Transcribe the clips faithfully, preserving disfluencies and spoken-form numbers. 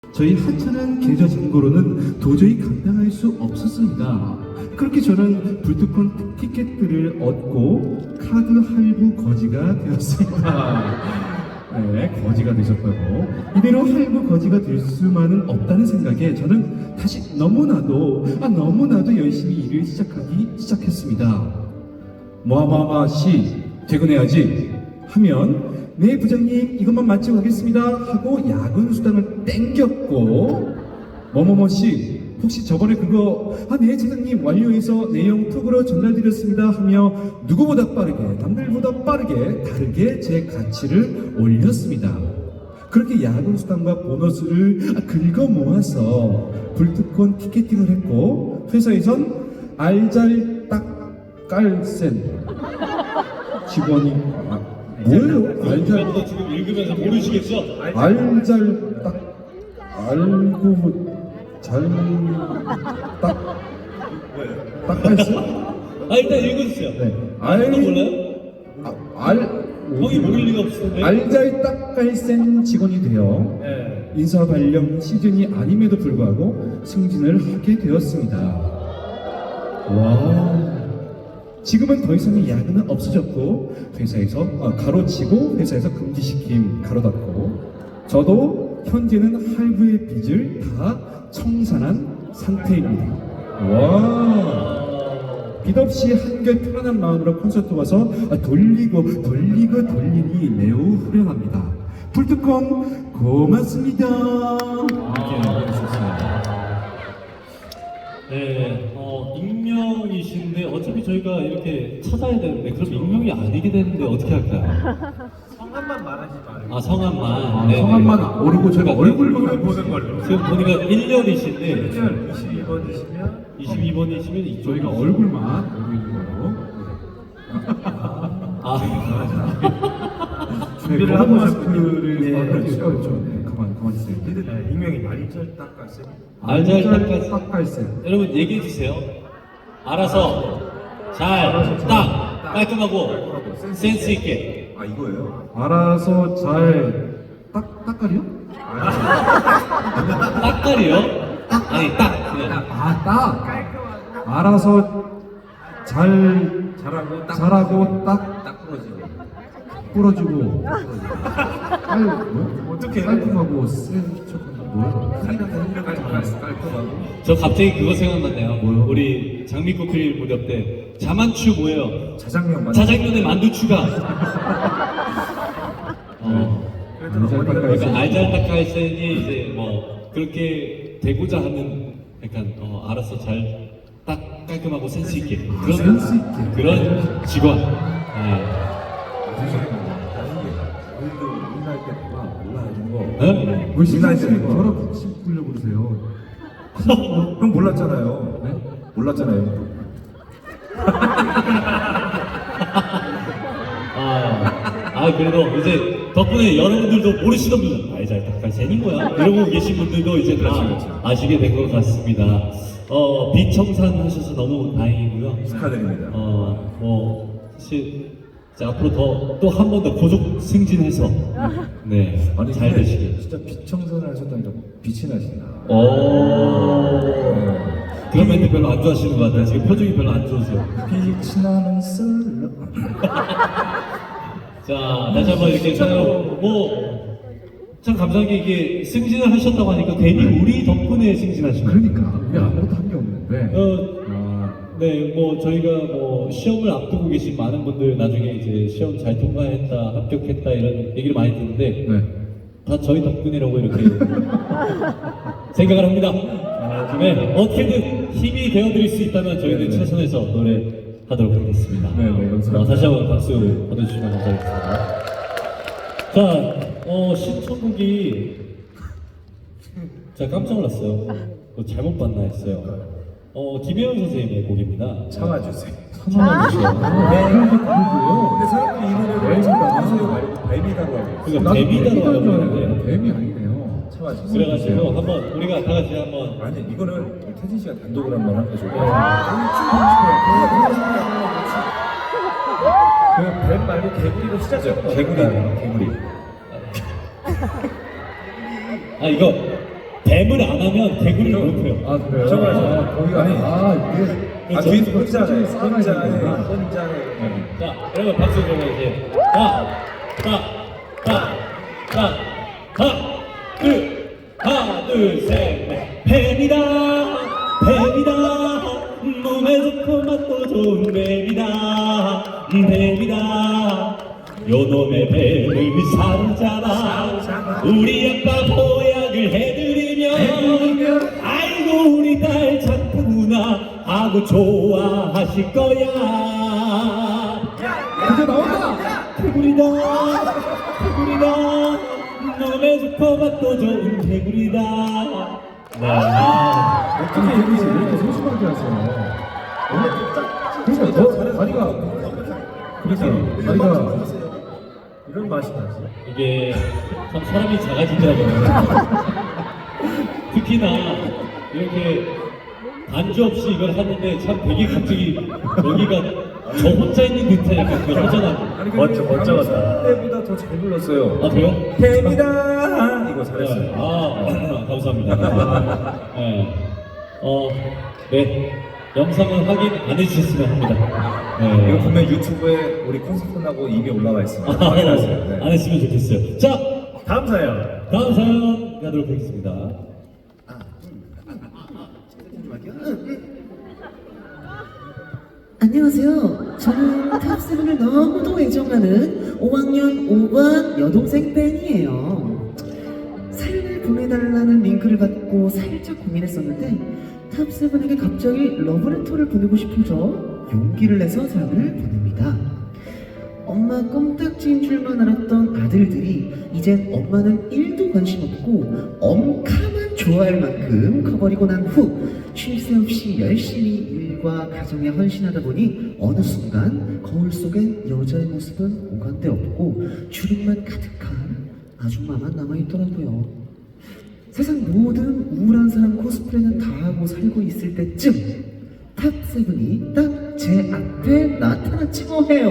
저희 하찮은 계좌 잔고로는 도저히 감당할 수 없었습니다. 그렇게 저는 불특권 티켓들을 얻고 카드 할부 거지가 되었습니다. 네, 거지가 되셨다고. 이대로 할부 거지가 될 수만은 없다는 생각에 저는 다시 너무나도 아 너무나도 열심히 일을 시작하기 시작했습니다. 뭐하마마 씨 퇴근해야지 하면 네 부장님 이것만 마치고 오겠습니다 하고 야근 수당을 땡겼고, 뭐뭐뭐 씨 혹시 저번에 그거 아 네 차장님 완료해서 내용 톡으로 전달드렸습니다 하며 누구보다 빠르게 남들보다 빠르게 다르게 제 가치를 올렸습니다. 그렇게 야근 수당과 보너스를 긁어 모아서 불특권 티켓팅을 했고, 회사에선 알잘딱깔센 직원이 아, 뭐예요? 알잘 너 지금 읽으면서 모르시겠어? 알잘딱 알고 잘딱 딱깔센? 아 일단 읽어주세요. 네. 알 알 몰라요? 아, 알 형이 모를 리가 없는데. 알잘딱깔센 직원이 되어 네. 인사 발령 시즌이 아님에도 불구하고 승진을 하게 되었습니다. 와. 지금은 더 이상의 야근은 없어졌고 회사에서 아, 가로치고 회사에서 금지시킴 가로닫고, 저도 현재는 할부의 빚을 다 청산한 상태입니다. 와. 빚 없이 한결 편안한 마음으로 콘서트 와서 아, 돌리고 돌리고 돌리니 매우 후련합니다. 불특권 고맙습니다. 이렇게 해주셨습니다. 네, 어, 익명이신데 어차피 저희가 이렇게 찾아야 되는데 그럼 익명이 아니게 되는데 어떻게 할까요? 성함만 말하지 말고. 아 성함만. 아, 네네. 성함만 모르고 저희가 얼굴만 알고 보는 걸로. 지금 보니까 일 년이신데 이십이 번이시면 이십이 번이시면 이쪽 저희가 얼굴만 알고 있는 거로. 아 준비를 네, 하고 마스크를 네, 아, 그렇죠. 그렇죠. 그렇죠. 네, 가만 가만 있어요. 네, 익명이 말이절 닦았어요. 알잘딱깔. 딱깔센. 여러분 얘기해 주세요. 알아서 잘 딱 깔끔하고 센스 있게. 아 이거예요? 알아서 잘 딱 딱깔이요? 딱깔이요? 아니 딱 그냥. 아 딱. 알아서 잘 잘하고 딱 잘하고 딱 딱 부러지고. 뿌려주고 깔 뭐? 어떻게 깔끔하고 센 척한 뭐야? 깔끔하고. 저 갑자기 그거 생각났네요. 뭐요? 우리 장미꽃필 무렵 때 자만추 뭐예요? 자장면 맞. 자장면에 만두 추가. 어, 그러니까 알잘딱깔센이 이제 뭐 그렇게 되고자 하는 약간 어, 알아서 잘 딱 깔끔하고 센스 있게 그런 센스 있게. 그런 직원. 네. 우리도 우리나라 때 막 몰라가지고. 네? 왜 신나게 저랑 같이 부르려고 그러세요? 형 몰랐잖아요. 네? 몰랐잖아요. 아, 아 그래도 이제 덕분에 여러분들도 모르시던 분들 알잘딱깔센인 거야 이러고 계신 분들도 이제 다 아시게 된 것 같습니다. 어, 비청산 하셔서 너무 다행이고요. 축하드립니다. 어, 뭐 사실 이제 앞으로 더 또 한 번 더 고속 승진해서 네, 아니 잘 근데 되시길. 진짜 빛 청소를 하셨다니까 빛이 나신다. 오, 그런 멘트 별로 안 좋아하시는 것 같아요. 지금 표정이 별로 안 좋으세요. 빛이 나는 솔로. 자, 다시 한번 이렇게 참, 뭐, 참 감사한 게 이게 승진을 하셨다고 하니까 괜히 우리 덕분에 승진하신 거예요. 그러니까 우리 아무것도 한 게 없는데. 어, 아, 네, 뭐 저희가 뭐 시험을 앞두고 계신 많은 분들 나중에 이제 시험 잘 통과했다, 합격했다 이런 얘기를 많이 듣는데 네. 다 저희 덕분이라고 이렇게 생각을 합니다. 네, 어떻게든 힘이 되어드릴 수 있다면 저희는 네, 네. 최선에서 노래하도록 하겠습니다. 네, 네, 감사합니다. 어, 다시 한번 박수 보내주시면 감사하겠습니다. 자, 어, 신청곡이 제가 깜짝 놀랐어요. 뭐 잘못 봤나 했어요. 어, 김혜영 선생님의 곡입니다. 참아주세요. 참아주세요. 그러고요. 근데 사람들이 이 노래를 참아주세요 말고 뱀이라고 하고. 그러니까 나도 데뷔다라고 뱀이다인 줄 하는데 알았는데 뱀이 아니네요. 참아주세요. 그래가지고 한번 우리가 다 같이 한번 아니 이거는 태진 씨가 단독으로 한번 하는 거죠. 그뱀 말고 개구리로 시작해요. 개구리, 개구리. 아 이거 댐을 안 하면 개구리를 못 해요. 아 그래요? 정말, 아, 정말. 거기가 아니. 아 이게 아, 그렇죠. 뒤에서 혼자네. 혼자네. 혼자네. 혼자네. 혼자네. 자, 여러분 박수 좀 해주세요. 가, 가, 가, 가, 가, 둘, 하나, 둘, 셋, 넷. 뱀이다, 뱀이다, 몸에 좋고 맛도 좋은 뱀이다, 뱀이다. 요놈의 뱀을 사로잡아 우리 아빠 보약을 해드리면 아이고 우리 딸 착하구나 하고 좋아하실 거야. 이제 나온다. 개구리다 개구리다 몸에 좋고 맛도 좋은 개구리다. 네. 어떻게 이렇게 이렇게 소심하게 하세요? 그러니까 더 다리가 그러니까 다리가 이런 맛이 나지. 이게 참 사람이 작아지더라고요. 특히나 이렇게 반주 없이 이걸 하는데 참 되게 갑자기 여기가 저 혼자 있는 듯한 약간 그 허전하고. 멋져, 멋져갔다. 때보다 더 잘 불렀어요. 아 그래요? 뱀이다. 이거 네. 잘했어요. 아 감사합니다. 네. 어, 네. 영상은 확인 안 해주셨으면 합니다. 네. 이거 보면 유튜브에 우리 콘서트 끝나고 이미 올라와 있습니다. 확인하세요. 네. 안 했으면 좋겠어요. 자, 다음 사연. 다음 사연 가도록 하겠습니다. 안녕하세요. 저는 탑세븐을 너무도 애정하는 오 학년 오 반 여동생 팬이에요. 사연을 보내달라는 링크를 받고 살짝 고민했었는데 탑세븐에게 갑자기 러브레터를 보내고 싶어져 용기를 내서 사연을 보냅니다. 엄마 껌딱지인 줄만 알았던 아들들이 이젠 엄마는 일도 관심 없고 엄카만 좋아할 만큼 커버리고 난 후 쉴 새 없이 열심히 일과 가정에 헌신하다 보니 어느 순간 거울 속엔 여자의 모습은 오간데 없고 주름만 가득한 아줌마만 남아있더라고요. 세상 모든 우울한 사람 코스프레는 다 하고 살고 있을 때쯤 탑세븐이 딱 제 앞에 나타났지 뭐해요.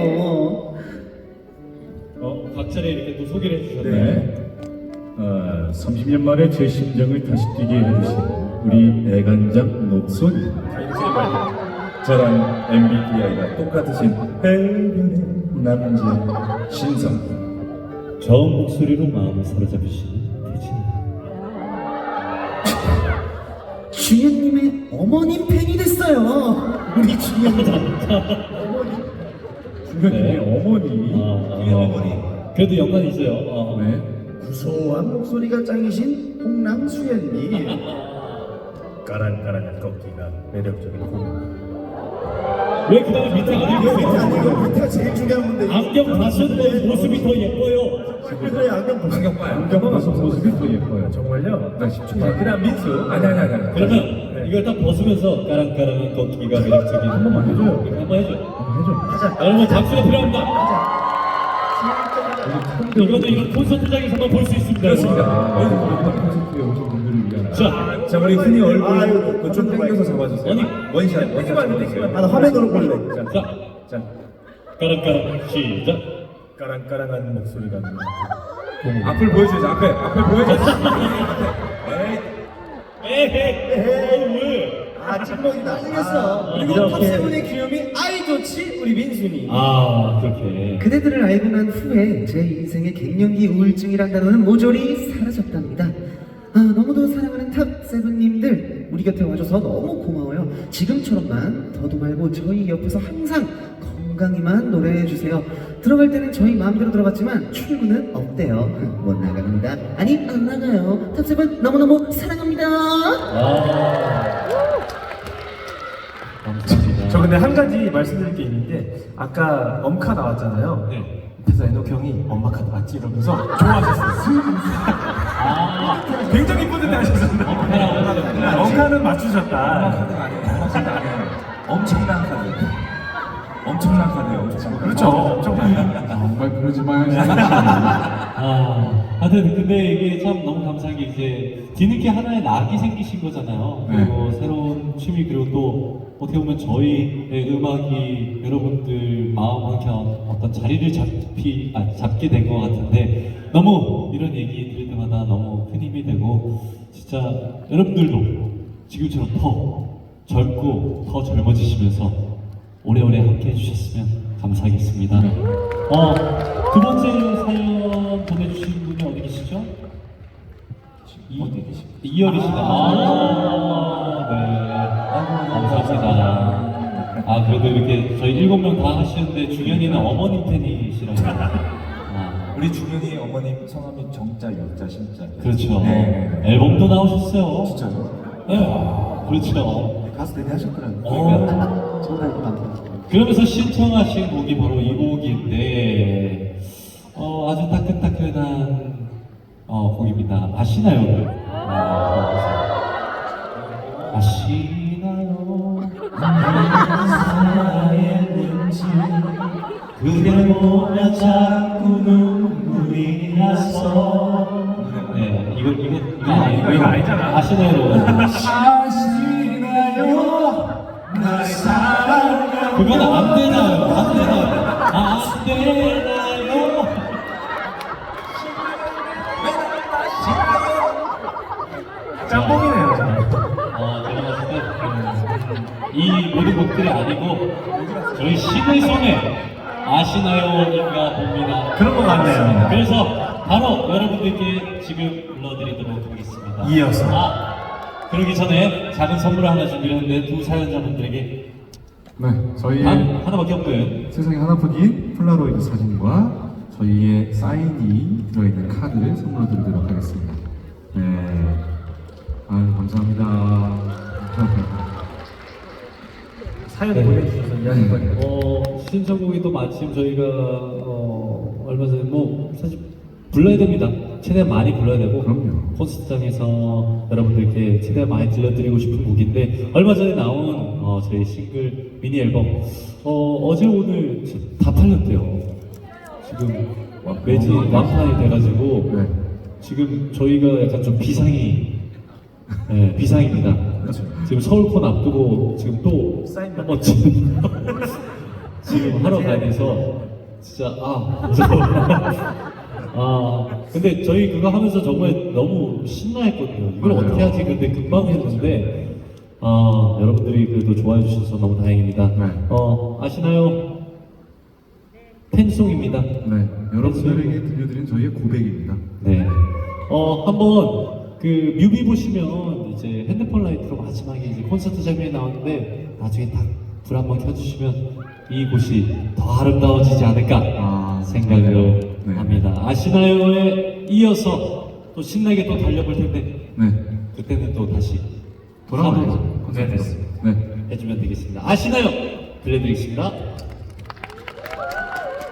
어, 각자를 이렇게 또 소개를 해주셨네요. 네. 어, 삼십 년 만에 제 심장을 다시 뛰게 해주신 우리 애간장 녹손 저랑 엠비티아이가 똑같으신 해변의 남자 신성. 저음 목소리로 마음을 사로잡으시는 대진. 주연님의 어머님 팬이 됐어요. 우리 주연님. 중간에 네. 어머니 아, 우리 어머니. 그래도 연관이 있어요. 어. 네. 구수한 목소리가 짱이신 홍남수연님. 까란까란한 꺾기가 매력적인 공. 왜 그다음에 밑에 안경 여기 쓰세요? 안경 밑에가 제일 중요한 건데. 안경 다쓴 모습이 더 예뻐요. 그래 안경 보세요. 안경 봐요. 안경 벗은 모습이 더 예뻐요. 정말요? 나 십 초 자, 그다음 민수. 아니 아니 아니. 아니. 그러면 이걸 딱 벗으면서 까랑까랑한 걷기가 매력적인 한 번만 해줘요. 이렇게 한번 해줘. 한번 해줘. 여러분 박수가 필요합니다. 이거는 이런 콘서트장에서만 볼 수 있습니다. 그렇습니다. 아, 콘서트에 오신 분들을 위한 자, 자 우리 흔히 얼굴 아이고, 그좀 당겨서 잡아주세요. 아니. 원샷 원샷 잡아주세요. 아, 나 화면으로 볼래. 자, 자, 자 까랑까랑 시작. 까랑까랑한 목소리가 나는 앞을 보여주죠. 앞에 앞에 보여주죠. 에헤이, 에헤이, 왜? 아 찐먹이 나중했어. 그리고 이렇게. 탑세븐의 귀염이 아이 좋지 우리 민순이. 아, 그렇게. 그대들을 알고 난 후에 제 인생의 갱년기 우울증이란 단어는 모조리 사라졌답니다. 아, 너무도 사랑하는 탑세븐님들 우리 곁에 와줘서 너무 고마워요. 지금처럼만 더도 말고 저희 옆에서 항상 건강히만 노래해주세요. 들어갈 때는 저희 마음대로 들어갔지만 출근은 없대요. 못 나갑니다. 아니 안 나가요. 탑세븐 너무너무 사랑합니다. 아, 감사합니다. 저 근데 한 가지 말씀드릴 게 있는데 아까 엄카 나왔잖아요. 네. 그래서 에녹 형이 엄마 카드 맞지 이러면서 좋아하셨어요. 아, 굉장히 뿌듯해하셨어요. 엄카는 맞추셨다. 카드가 아니에요. 카드 아니에요. 엄청난 카드. 엄청난 카드예요. 엄청난 카드. 그렇죠. 엄청나요. 정말 그러지 마요. 아, 하여튼 근데 이게 참 너무 감사한 게 이제 뒤늦게 하나의 낙이 생기신 거잖아요. 그리고 새로운 취미 그리고 또 어떻게 보면 저희의 음악이 여러분들 마음 한켠 어떤 자리를 잡히 아, 잡게 된 것 같은데 너무 이런 얘기 들을 때마다 너무 그냥 큰 힘이 되고 진짜 여러분들도 지금처럼 더 젊고 더 젊어지시면서 오래오래 함께 해주셨으면 감사하겠습니다. 어, 두 번째 사연 보내주신 분이 어디 계시죠? 이, 어디 계십니까? 이열이시다. 아, 네. 감사합니다. 아, 그래도 이렇게 저희 일곱 명 다 하시는데 중현이는 어머님 팬이시라고. 아, 우리 중현이 어머님 성함이 정자, 유자, 신자. 그렇죠. 네. 앨범도 나오셨어요. 진짜요? 네. 그렇죠. 가수 데뷔 하셨더라고요. 어. 정말 감사합니다. 그러면서 신청하신 곡이 바로 이 곡인데, 어, 아주 따끈따끈한 어, 곡입니다. 아시나요? 아, 아시나요? 사랑했는지 그댈 보면 자꾸 눈물이 나서. 네, 이거 이거 이거 아니 이거, 이거 아니잖아. 아시나요? 아시나요? 날 사랑하는 그건 안 되나요? 안 되나요? 안 되나요? 짬뽕이네요. 어, 제가 봤을 때, 음, 이 모든 곡들이 아니고, 저희 신의 손에 아시나요인가 봅니다. 그런 것 같네요. 그래서 바로 여러분들께 지금 불러드리도록 하겠습니다. 이어서. 아, 그러기 전에 작은 선물을 하나 준비했는데 두 사연자분들에게 네, 저희 단 하나밖에 없는 세상에 하나뿐인 폴라로이드 사진과 저희의 사인이 들어있는 카드를 선물로 드리도록 하겠습니다. 네, 아유 감사합니다. 사연 네. 보내주셔서 이야기거든요. 어, 신청곡이 또 마침 저희가 어, 얼마 전에 뭐 사실 불러야 됩니다. 최대한 많이 불러야 되고 그럼요. 콘서트장에서 여러분들께 최대한 많이 들려드리고 싶은 곡인데 얼마 전에 나온 어, 저희 싱글 미니 앨범 어, 어제 오늘 다 팔렸대요. 지금 매지 완판이 돼가지고 네. 지금 저희가 약간 좀 비상이 네, 비상입니다. 그렇죠. 지금 서울콘 앞두고 지금 또 사인 한번 지금 지금 하러 다녀서 진짜 아 무서워. 아 근데 저희 그거 하면서 정말 너무 신나했거든요. 이걸 맞아요. 어떻게 하지? 근데 금방 했는데 아 여러분들이 그래도 좋아해 주셔서 너무 다행입니다. 네. 어 아시나요? 팬송입니다. 네, 여러분들에게 들려드린 저희의 고백입니다. 네. 어, 한번 그 뮤비 보시면 이제 핸드폰 라이트로 마지막에 이제 콘서트 장면이 나오는데 나중에 딱 불 한번 켜주시면 이곳이 더 아름다워지지 않을까 아, 생각을 네. 합니다. 아시나요에 이어서 또 신나게 또 달려볼 텐데 네, 그때는 또 다시 돌아와야죠. 사부로 콘서트로. 네, 네. 해주면 되겠습니다. 아시나요? 들려드리겠습니다.